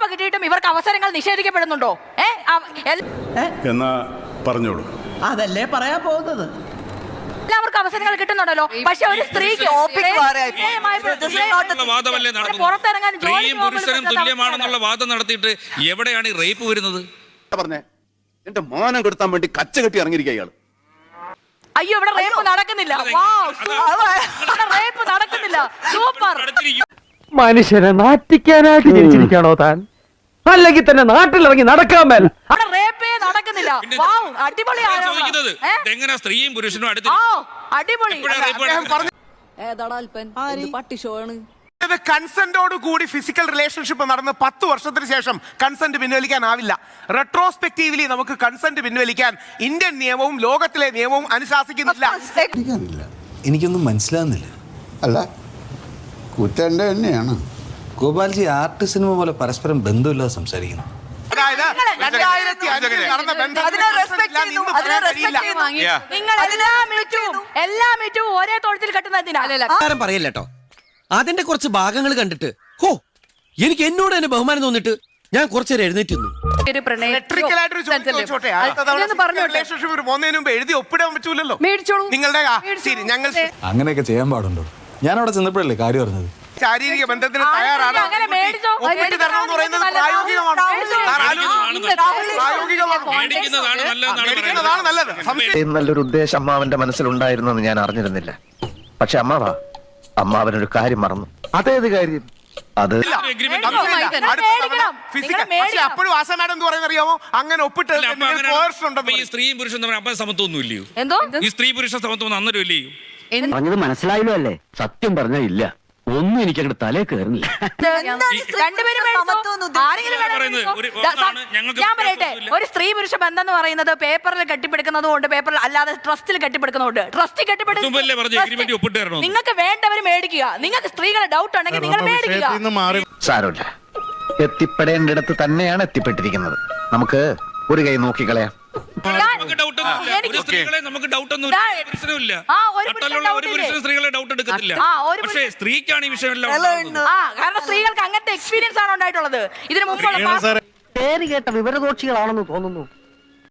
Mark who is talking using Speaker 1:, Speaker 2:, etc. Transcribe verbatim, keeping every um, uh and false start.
Speaker 1: കിട്ടിയിട്ടും ഇവർക്ക് അവസരങ്ങൾ നിഷേധിക്കപ്പെടുന്നുണ്ടോ?
Speaker 2: എന്നാ പറഞ്ഞോളൂ.
Speaker 3: അതല്ലേ പറയാൻ പോകുന്നത്.
Speaker 1: എല്ലാവർക്കും അവസരങ്ങൾ കിട്ടുന്നുണ്ടല്ലോ. പക്ഷെ ഒരു സ്ത്രീക്ക് പുറത്തിറങ്ങാൻ
Speaker 4: പുരുഷനും തുല്യമാണെന്നുള്ള വാദം നടത്തിയിട്ട് എവിടെയാണ് ഈ റേപ്പ് വരുന്നത്?
Speaker 2: പറഞ്ഞേ, എന്റെ മാനം കെടുത്താൻ വേണ്ടി കച്ച കെട്ടി ഇറങ്ങിയിരിക്കുക ഇയാള്.
Speaker 1: അയ്യോ, ഇവിടെ റേപ്പ് നടക്കുന്നില്ല. റേപ്പ് നടക്കുന്നില്ല. സൂപ്പർ.
Speaker 5: മനുഷ്യനെ നാറ്റിക്കാനായിട്ട് ജനിച്ചിരിക്കണോ താൻ? അല്ലെങ്കിൽ തന്നെ നാട്ടിലിറങ്ങി നടക്കാൻ മേൽ
Speaker 1: റേപ്പേ നടക്കുന്നില്ല. അടിപൊളിയാണ്.
Speaker 4: എങ്ങനെ സ്ത്രീയും പുരുഷനും
Speaker 1: അടിപൊളി.
Speaker 6: കൺസെന്റോട് കൂടി ഫിസിക്കൽ റിലേഷൻഷിപ്പ് നടന്ന് പത്ത് വർഷത്തിന് ശേഷം കൺസെന്റ് പിൻവലിക്കാനാവില്ല. റെട്രോസ്പെക്റ്റീവ്ലി നമുക്ക് കൺസെന്റ് പിൻവലിക്കാൻ ഇന്ത്യൻ നിയമവും ലോകത്തിലെ നിയമവും അനുശാസിക്കുന്നില്ല.
Speaker 7: എനിക്കൊന്നും മനസ്സിലാകുന്നില്ല.
Speaker 8: അല്ല, കുറ്റന്റെ തന്നെയാണ്.
Speaker 7: ഗോപാൽജി ആർട്ട് സിനിമ പോലെ പരസ്പരം ബന്ധമില്ലാതെ സംസാരിക്കുന്നു.
Speaker 6: അതായത് രണ്ടായിരത്തി അഞ്ചിൽ നടന്ന
Speaker 1: ഒരേ തൊഴുത്തിൽ കെട്ടുന്നതിനാ
Speaker 9: പറയല്ലോ. അതിന്റെ കുറച്ച് ഭാഗങ്ങൾ കണ്ടിട്ട് ഹോ എനിക്ക് എന്നോട് തന്നെ ബഹുമാനം തോന്നിട്ട് ഞാൻ കുറച്ചേരം എഴുന്നേറ്റ്
Speaker 6: എഴുതി ഒപ്പിടാൻ പറ്റൂലല്ലോ. നിങ്ങളുടെ
Speaker 7: അങ്ങനെയൊക്കെ ചെയ്യാൻ പാടുണ്ടോ? ഞാൻ അവിടെ ചെന്നപ്പോഴല്ലേ കാര്യം പറഞ്ഞത്.
Speaker 6: ശാരീരിക ബന്ധത്തിന് തയ്യാറാണ്. ഒപ്പിട്ട് തരണമെന്ന് പറയുന്നത് പ്രായോഗികമാണ്. പ്രായോഗികമാണ് നല്ലത്.
Speaker 10: നല്ലൊരു ഉദ്ദേശം അമ്മാവന്റെ മനസ്സിലുണ്ടായിരുന്നെന്ന് ഞാൻ അറിഞ്ഞിരുന്നില്ല. പക്ഷെ അമ്മാവാ, അമ്മാവനൊരു കാര്യം മറന്നു. അതേത് കാര്യം? അത്
Speaker 6: അപ്പോഴും ആശ മാഡം എന്ന് പറയുന്നത് അറിയാമോ? അങ്ങനെ ഒപ്പിട്ട്
Speaker 4: സ്ത്രീയും പുരുഷനും തമ്മിൽ അപ്പം സമത്വമൊന്നും ഇല്ലയോ? ഈ സ്ത്രീ പുരുഷ സമത്വം അന്നേരം ഇല്ലയോ?
Speaker 10: പറഞ്ഞത് മനസ്സിലായല്ലോ അല്ലേ? സത്യം പറഞ്ഞാ ഇല്ല, ഒന്നും എനിക്ക് അങ്ങോട്ട് തലേ കയറുന്നില്ല.
Speaker 1: ഞാൻ പറയട്ടെ, ഒരു സ്ത്രീ പുരുഷ ബന്ധം എന്ന് പറയുന്നത് പേപ്പറിൽ കെട്ടിപ്പിടിക്കുന്നതുകൊണ്ട്, പേപ്പറിൽ അല്ലാതെ ട്രസ്റ്റിൽ കെട്ടിപ്പിടിക്കുന്നതുകൊണ്ട്. ട്രസ്റ്റ് കെട്ടിപ്പിടിക്കുന്ന നിങ്ങൾക്ക് വേണ്ടവർ മേടിക്കുക. നിങ്ങൾക്ക് സ്ത്രീകളെ ഡൗട്ട് ഉണ്ടെങ്കിൽ നിങ്ങൾ മേടിക്കുക.
Speaker 10: സാരമില്ല, എത്തിപ്പെടേണ്ടിടത്ത് തന്നെയാണ് എത്തിപ്പെട്ടിരിക്കുന്നത്. നമുക്ക് ഒരു കൈ നോക്കിക്കളയാം.
Speaker 4: സ്ത്രീക്കാണ് ഈ വിഷയം.
Speaker 1: കാരണം സ്ത്രീകൾക്ക് അങ്ങനത്തെ എക്സ്പീരിയൻസ് ആണ് ഉണ്ടായിട്ടുള്ളത് ഇതിനു മുമ്പുള്ള.
Speaker 5: പേര് കേട്ട വിവരദോഷികളാണെന്ന് തോന്നുന്നു.